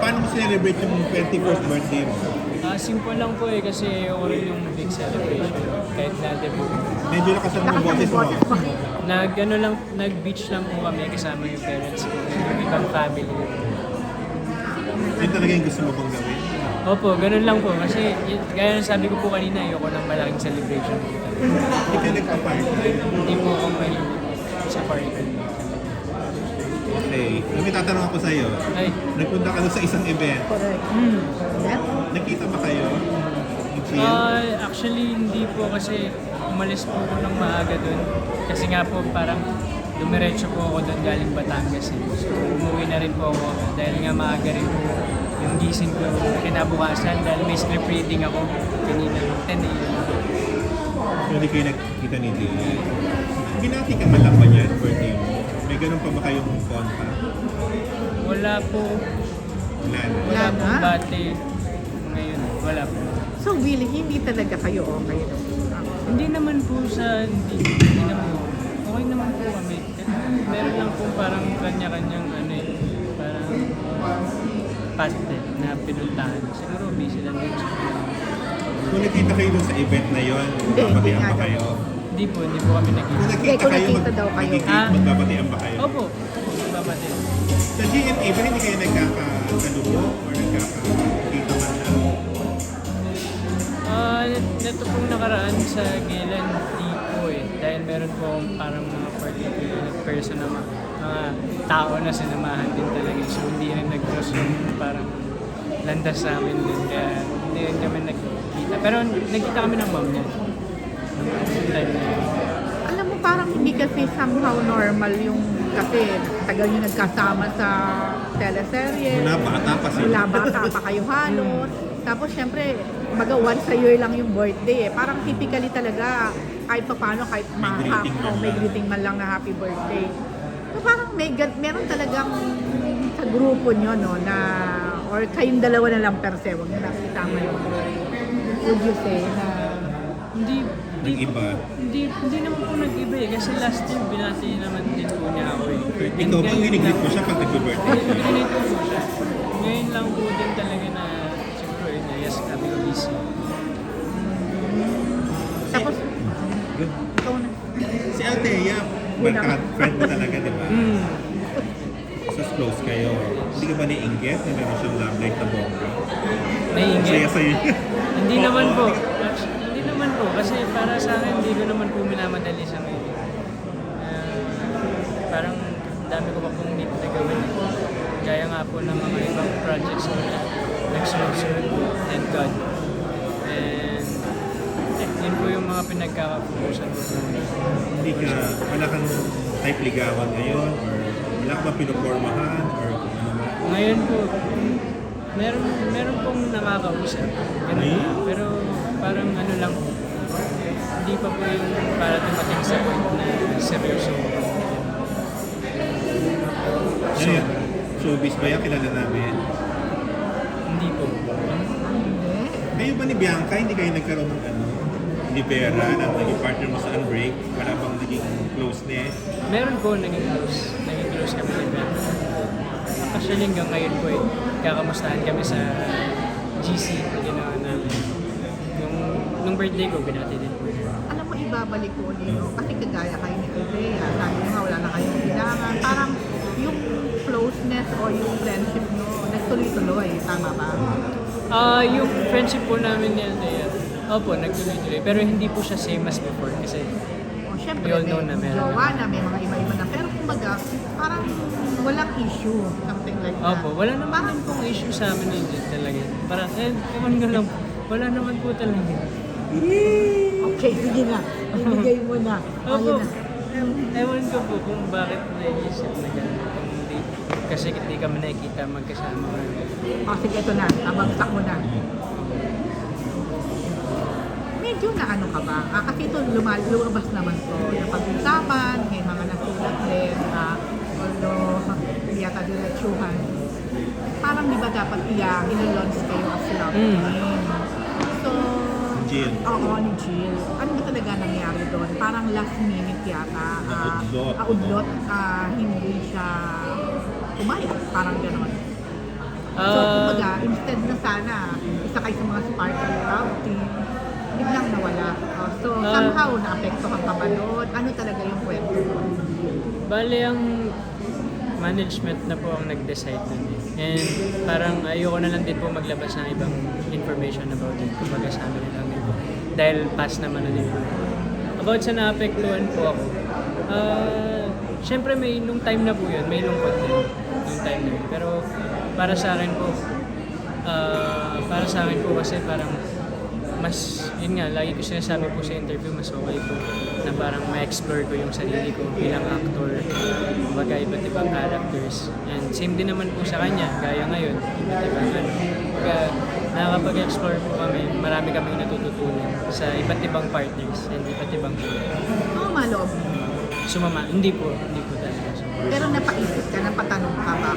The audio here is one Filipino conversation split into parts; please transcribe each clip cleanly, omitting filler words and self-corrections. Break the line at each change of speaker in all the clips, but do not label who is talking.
paano mo celebrate yung 21st birthday mo?
Simple lang po kasi ako rin yung big celebration. Kahit na debut.
Medyo lakas ang boses mo.
Nag-beach lang po kami kasama yung parents ko. Yung ibang family.
Yun talaga yung gusto mo bang gawin?
Opo, ganun lang po. Kasi gaya ng sabi ko po kanina, ayoko ng malaking celebration.
Hindi ka nagpa-party.
Hindi po ako mahilig sa party.
Okay. May tatanong ako sa'yo.
Ay,
Nagpunta ka doon sa isang event.
Correct. Yeah?
Nakita ba kayo? Ni Jill?
actually hindi po kasi umalis po ako ng maaga dun. Kasi nga po parang dumiretso po ako dun galing Batangas. So umuwi na rin po ako dahil nga maaga rin po yung gising ko kinabukasan dahil may script reading ako kanina 10 a.m.
Hindi kayo nagkita ni Jill. Binati ka man lang ba niya birthday mo? May ganun pa ba kayong konta?
Wala po.
Wala na.
Wala
Wala
pong
na?
bate ngayon. Wala po.
So, Willie, hindi talaga kayo okay, no?
Hindi naman po hindi naman po. Okay naman po kami. Meron lang po parang kanya-kanyang parang paste na pinuntahan. Siguro busy lang din siya.
Kung nakita kayo doon sa event na yon, magbabatian
nga
ba
daw.
kayo?
Hindi po kami
Kung
nag-iisa.
nakita
kung
kayo,
nakita daw kayo.
magbabatian ba kayo?
Opo, babati.
Sa GMA ba hindi kayo nagkakasalubong or nagkakakita man lang?
Neto pong nakaraan sa Galen, di po dahil meron po akong parang mga particular person na mga tao na sinamahan din talaga. So hindi rin nag-cross yung parang landas sa amin din. Kaya hindi rin kami nagkita. Pero nagkita kami ng mom niya. Time na yun.
Alam mo, parang hindi kasi somehow normal yung kasi tagal nyo nagkasama sa teleserye.
Mula bata pa sila.
Mula bata pa kayo halos. Tapos syempre, once a year lang yung birthday eh. Parang typically talaga, kahit pa paano, kahit may greeting man lang na happy birthday. So parang meron talagang sa grupo nyo, no, na, or kayong dalawa na lang per se, huwag nyo nakitama yun. Would you say na,
Nag-iba.
Hindi naman po nag-iba kasi last year binati naman din po niya ako
Ikaw bang giniglit mo siya pag nag-birthday?
Giniglit po siya. Ngayon lang po din talaga na siguro yes, kami ko busy.
tapos,
Good.
ikaw na.
Si Althea, barkad, friend mo talaga, di ba? So close kayo. Hindi ka ba ni-inggit na meron siyang love life na bongga?
Naiingit?
Saya sa'yo.
Hindi naman po. Hindi naman po. Kasi para sa akin, hindi ko naman po minamadali sa ngayon. Parang dami ko pa pong need na gawin. Gaya nga po ng mga ibang projects ko na nagsunod-sunod po. Thank God. And yun po yung mga pinagkakapusan ko.
Hindi ka, wala kang type ligawan ngayon or wala ka ba pinupormahan or kung ano man?
Ngayon po, meron pong nakakausap. Ganun
Ay?
na. Pero parang ano lang po. Hindi pa po yung para dumating sa point na seryoso.
Ano yan? Showbiz ba yan? Kilala namin.
Hindi po.
Kayo ba ni Bianca, hindi kayo nagkaroon ng ni Vera na naging partner mo sa Unbreak? Wala bang naging closeness?
Meron po naging close. Naging close kami ni Ben. Actually hanggang ngayon po kakamustahan kami sa GC na ginawa namin. Nung birthday ko, binati din po.
Alam mo, ibabalik ko ulit, no? Kasi kagaya kayo ni Althea, sabi nyo nga, wala na kayong kailangan. Parang yung closeness o yung friendship nyo, nagtuloy-tuloy, tama ba?
Yung friendship po namin ni Althea, opo, nagtuloy-tuloy. Pero hindi po siya same as before kasi
O syempre,
we all know
may
na meron.
jowa na, may mga iba-iba na. Pero kumbaga, parang walang issue, something like that.
Opo, wala naman din pong issue sa amin yun din talaga. Parang, ewan ko lang, wala naman po talaga.
Okay, sige na. Ibigay mo na.
Opo,
Ayun na.
ewan ko po kung bakit naisip na gano'n. Kung hindi, kasi hindi kami nakikita magkasama.
O sige, ito na. Tabagsak mo na. Medyo na ano ka ba? Kasi ito lumabas naman to. Yung pag-usapan, may mga nasulat din. Although, hindi yata diretsuhan. Parang di ba dapat ilo-launch kayo as love team? So,
Jill.
oo, ni Jill. Ano ba talaga nangyari doon? Parang last minute yata. Udlot. Hindi siya pumayag. Parang gano'n. So, instead na sana, isa kayo sa mga sparkle love team, biglang nawala. So, somehow, naapektuhan ka ba doon? Ano talaga yung kwento mo?
Bale, ang management na po ang nag-decide nun eh. And parang ayoko na lang din po maglabas ng ibang information about it. Kumbaga sa amin lang din po. Dahil pass naman na din po. About sa naapektuhan po ako, syempre nung time na po yun, may lungkot din. Nung time na yun. Pero para sa akin po kasi parang mas, yun nga, lagi ko sinasabi po sa interview, mas okay po na parang ma-explore ko yung sarili ko bilang actor, kumbaga iba't ibang characters. And same din naman po sa kanya, gaya ngayon, iba't ibang kumbaga nakakapag-explore po kami, marami kaming natututunan sa iba't ibang partners and iba't ibang show.
Maloob mo.
Sumama, hindi po talaga.
Pero napaisip ka, napatanong ka ba?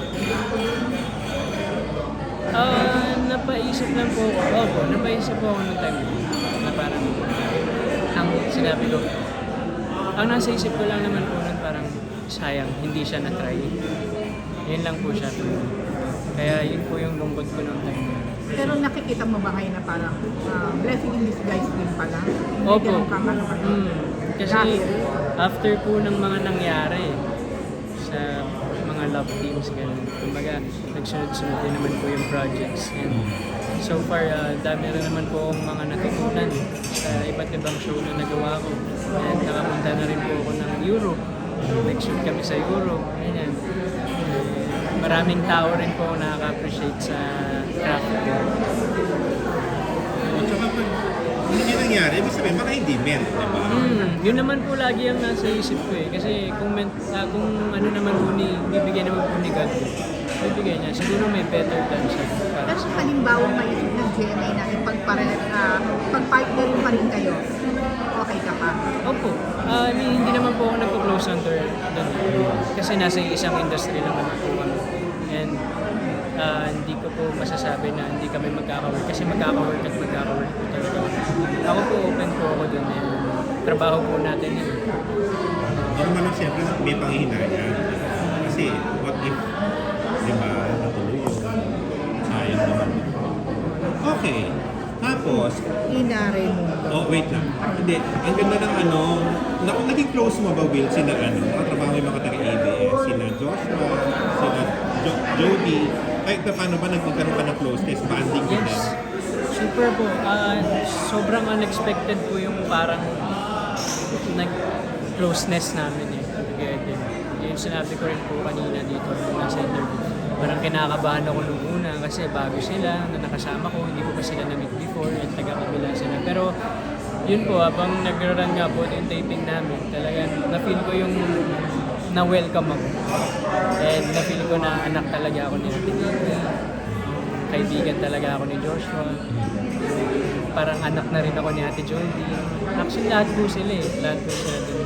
Napaisip lang po ako. Opo, napaisip po ako nung time na parang ang sinabi ko. Ang nasa isip ko lang naman po nun parang sayang, hindi siya na-try. Yun lang po siya. Kaya yun po yung lungkot ko nung time.
Pero nakikita mo ba ngayon na parang blessing in disguise din pala? Hindi
Opo.
ganun ka ano.
Kasi after po ng mga nangyari sa mga love teams, ganun. Kumbaga, nagsunod-sunod din naman po yung projects. And so far, dami rin naman po akong mga natutunan sa iba't ibang show na nagawa ko. And nakapunta na rin po ako ng Europe. Nag-shoot kami sa Europe. Ganyan. Maraming tao rin po ako nakaka-appreciate sa craft ko.
At saka pag hindi nangyari, ibig sabihin, baka hindi meant, di ba?
Yun naman po lagi ang nasa isip ko eh. Kasi kung ano naman po bibigyan naman po ni God, bibigyan niya. Siguro may better than siya. Para
Pero
sa
halimbawa maisip ng GMA na pag-partner pa rin kayo, okay ka pa?
Opo. Hindi naman po ako nagpo-close on door doon. Kasi nasa isang industry lang naman po kami. And hindi ko po masasabi na hindi kami magkaka-work. Kasi magkaka-work at magkaka-work po talaga. Ako po open po ako doon. Trabaho po natin yun.
Normal lang siyempre, may panghihinayang. Kasi, what if, di ba, natuloy yun. Sayang naman. Okay. Tapos,
Inare mo.
oh, wait lang. Hindi, ang ganda ng naging close mo ba, Will, sila nakatrabaho yung mga taga-ABS, sila Joshua, sila Jody. Ay, paano ba nagkaroon ka ng closeness, banding with them?
Yes. Super po. Sobrang unexpected po yung parang nag-closeness namin eh. Together. Yung sinabi ko rin po kanina dito nasa interview. Parang kinakabahan ako nung una kasi bago sila na nakasama ko. Hindi ko pa sila na-meet before at taga-kabila sila. Pero yun po, habang nag-run nga po yung taping namin, talagang na-feel ko yung na-welcome ako. And na-feel ko na anak talaga ako ni Ate Nina. Kaibigan talaga ako ni Joshua. Parang anak na rin ako ni Ate Jody. Actually, lahat po sila eh. Lahat po sila din.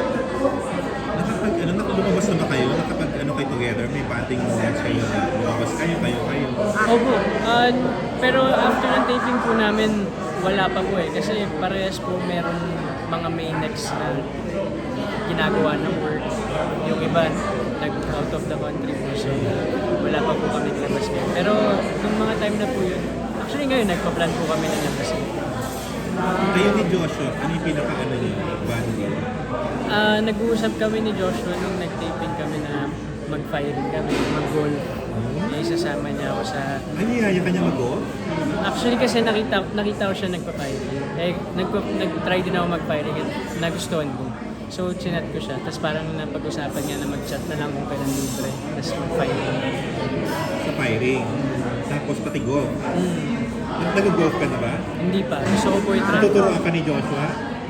Lumabas na ba kayo? Kayo together? May banding moments kayo? Lumabas kayo?
Opo. Pero after ng taping po namin, wala pa po eh. Kasi parehas po meron mga main next na ginagawa ng work. Yung iba, out of the country po. So, wala pa po kami labas ngayon. Pero, nung mga time na po yun, actually ngayon, nagpa-plan po kami ng labas.
Kayo ni Joshua, ano yung pinaka-ano niyo? Banding?
Nag-uusap kami ni Joshua nung nag-taping kami na mag-firing kami, mag-golf. Isasama niya ako sa...
Niyaya ka niya mag-golf?
Actually kasi nakita ko siya nagpa-firing. Nag-try din ako mag-firing at nagustuhan ko. So, chinat ko siya. Tapos parang napag-usapan niya na mag-chat na lang kung kailan libre. Tapos mag-firing.
Sa firing. Tapos pati golf. Nag-golf ka na ba?
Hindi pa. Gusto ko po i-try.
Tuturuan ka ni Joshua?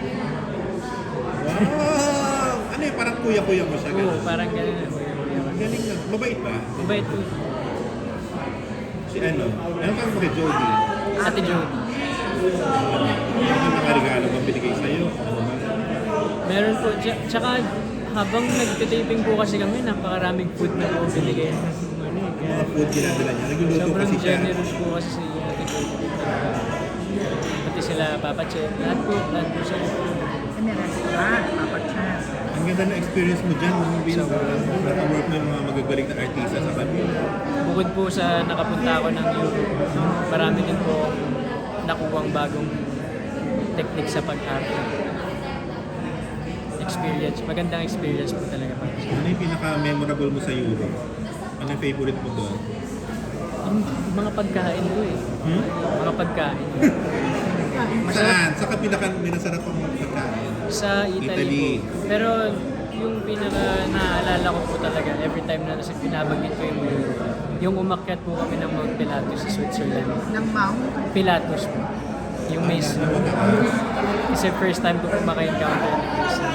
Wow! Ano yun? Parang kuya-kuya mo siya.
Oo, parang ganun.
Galing na. Mabait ba?
Mabait po.
Si ano? Ano kang kay Jody?
Ate Jody.
Ano mga regalo bang binigay sa'yo? Ano ba?
Meron po. Tsaka habang nagtitaping po kasi kami, napakaraming food na po binigay.
Mga food ginadala niya. Nagluluto
Sobrang
kasi siya.
generous po kasi si Ate Jody. Pati sila Papa Che. Lahat po sila.
May restaurant, Papa Chan.
Ang ganda na experience mo dyan, Will.
Sobrang.
Naka-work mo yung mga magagaling na artista sa kanila.
Bukod po sa nakapunta ako ng Europe, marami din po nakuwang bagong technique sa pag-arte. Experience, magandang experience po talaga para sa
Ano yung pinaka-memorable mo sa Europe? Ano yung favorite mo doon?
yung mga pagkain ko eh.
Hmm?
Mga pagkain.
Saan? Saan ka pinaka-minasarap ang pagkain?
Sa
Italy.
Italy po. Pero yung pinaka naaalala ko po talaga every time na nasa pinabanggit ko yung Europe, yung umakyat po kami ng Mount Pilatus sa Switzerland.
Ng Mount.
Pilatus po. Yung may snow. Kasi first time ko po maka-encounter ng may snow.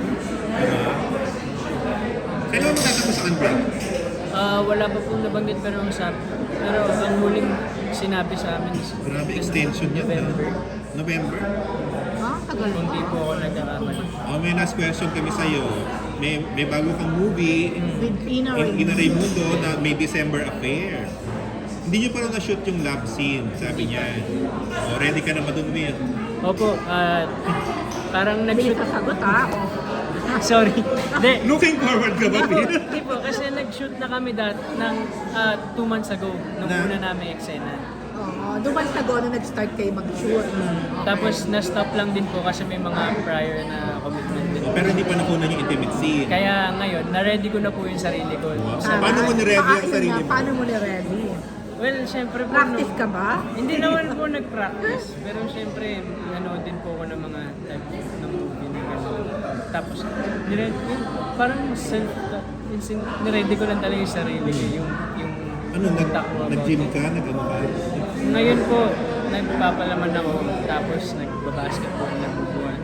Kailan mo tatapos ang break?
Wala pa pong nabanggit pero ang huling sinabi sa amin is
Grabe, extension yan.
November.
November?
Tagal
Kung
mo.
di po ako nagkakamali.
May last question kami sa'yo. May bago kang movie,
With Ina
Ina
Ray.
Raimundo, na may December affair. Hindi niyo pa rin na-shoot yung love scene, sabi niya. Ready ka na ba dun, Will?
Opo, parang
Bilis
nag-shoot.
sa sagot ha.
Sorry. Hindi.
Looking forward ka ba, Will?
Hindi po, kasi nag-shoot na kami ng 2 months ago, nung
Na?
una namin eksena.
Oo, duman sa nung nag-start kayo mag-shoot.
Tapos na-stop lang din po kasi may mga prior na commitment din.
Pero hindi pa nakunan yung intimate scene.
Kaya ngayon, na-ready ko na po yung sarili ko.
So, paano mo ni-ready ang sarili mo?
Paano mo ni-ready?
Well, syempre po,
Practice ka ba?
hindi naman po nag-practice. Pero syempre, nanood din po ako ng mga type ng movie na gano'n. Tapos, parang niready ko lang talaga yung sarili ko. Yung
Ano,
utak ko about
nag-gym
it.
ka? Nag-ano ka?
Ngayon po, nagpapalaman ako. Tapos, nagbabasketball, nagbubuhan.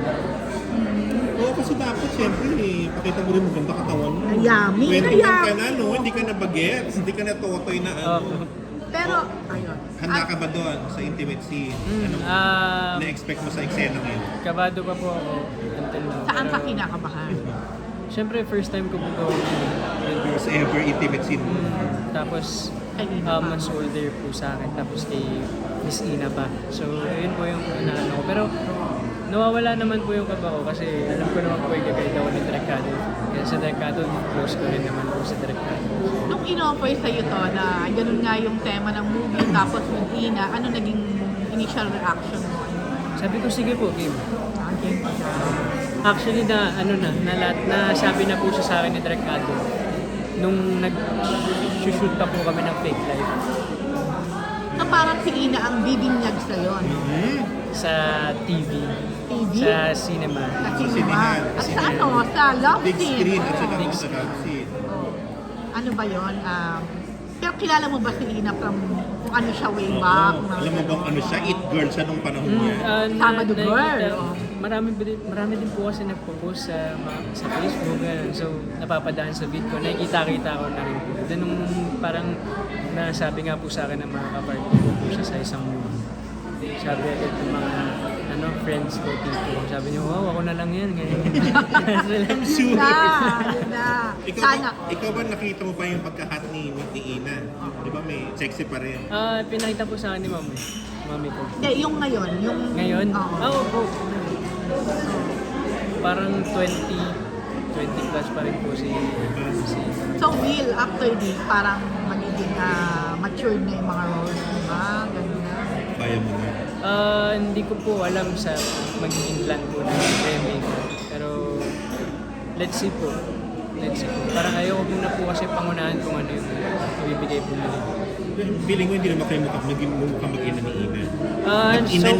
Oo, kasi dapat siyempre pakita mo rin maganda katawan mo.
Yummy na
21 ka
yummy.
na, no? Hindi ka na bagets, hindi ka na totoy na ano.
Pero, ayun.
Handa ka ba doon sa intimate scene? Ano na-expect mo sa eksena ngayon?
Kabado pa po ako until now.
Saan ka
Pero,
kinakabahan?
Siyempre, first time ko po gawin yun.
First ever intimate scene mo.
Tapos,
Kay Ina pa.
mas older po sa akin. Tapos kay Miss Ina pa. So, yun po yung inaano ko. Pero, nawawala naman po yung kaba ko kasi alam ko naman po yung gagawin ako ni Direk Cado. Kaya sa Direk Cado, close ko rin naman po sa Direk Cado.
Nung in-offer sa'yo to na ganun nga yung tema ng movie tapos with Ina, ano naging initial reaction mo?
Sabi ko, sige po, game.
Okay.
Actually, na sabi na po siya sa akin ni Direk Cado nung nag-shoot pa po kami ng Fake Life
So parang si Ina ang bibinyag sa'yo, no?
sa TV,
TV?
sa cinema.
Sa
sinihan.
cinema. At sa ano? Sa love
Big
scene.
screen at saka
Big
sa love scene.
Oh. Ano ba yun? Pero kilala mo ba si Ina from kung ano siya way back?
Oo. Alam mo bang ano siya? It girl siya nung panahon niya.
Sabado girl, oh.
Marami din po kasi nagpo-post sa Facebook. Ganun. So, napapadaan sa feed ko. Nakikita-kita ko na rin po. Then, nung parang nasabi nga po sa akin ng mga kapartner ko po siya sa isang movie. Sabi agad ng mga friends ko, tipo. Sabi niyo, wow, ako na lang yan. Ganyan.
I'm sure.
Yun na. Sana.
Ikaw ba nakita mo pa yung pagka-hot ni Ina? Di ba may sexy pa rin?
Pinakita po sa akin ni mami ko.
Hindi, yung ngayon. Yung,
Ngayon?
Oo.
Oo po. Parang 20 plus pa rin po si
So Will, after this, parang magiging matured na yung mga roles, di ba? Ganun na.
Kaya mo na.
Hindi ko po alam sa magiging plan po ng remake. Pero let's see po. Parang ayoko muna po kasi pangunahan kung ano yung ibibigay po nila.
Feeling ko hindi naman kayo mukhang mag-ina ni Ina. Ina
So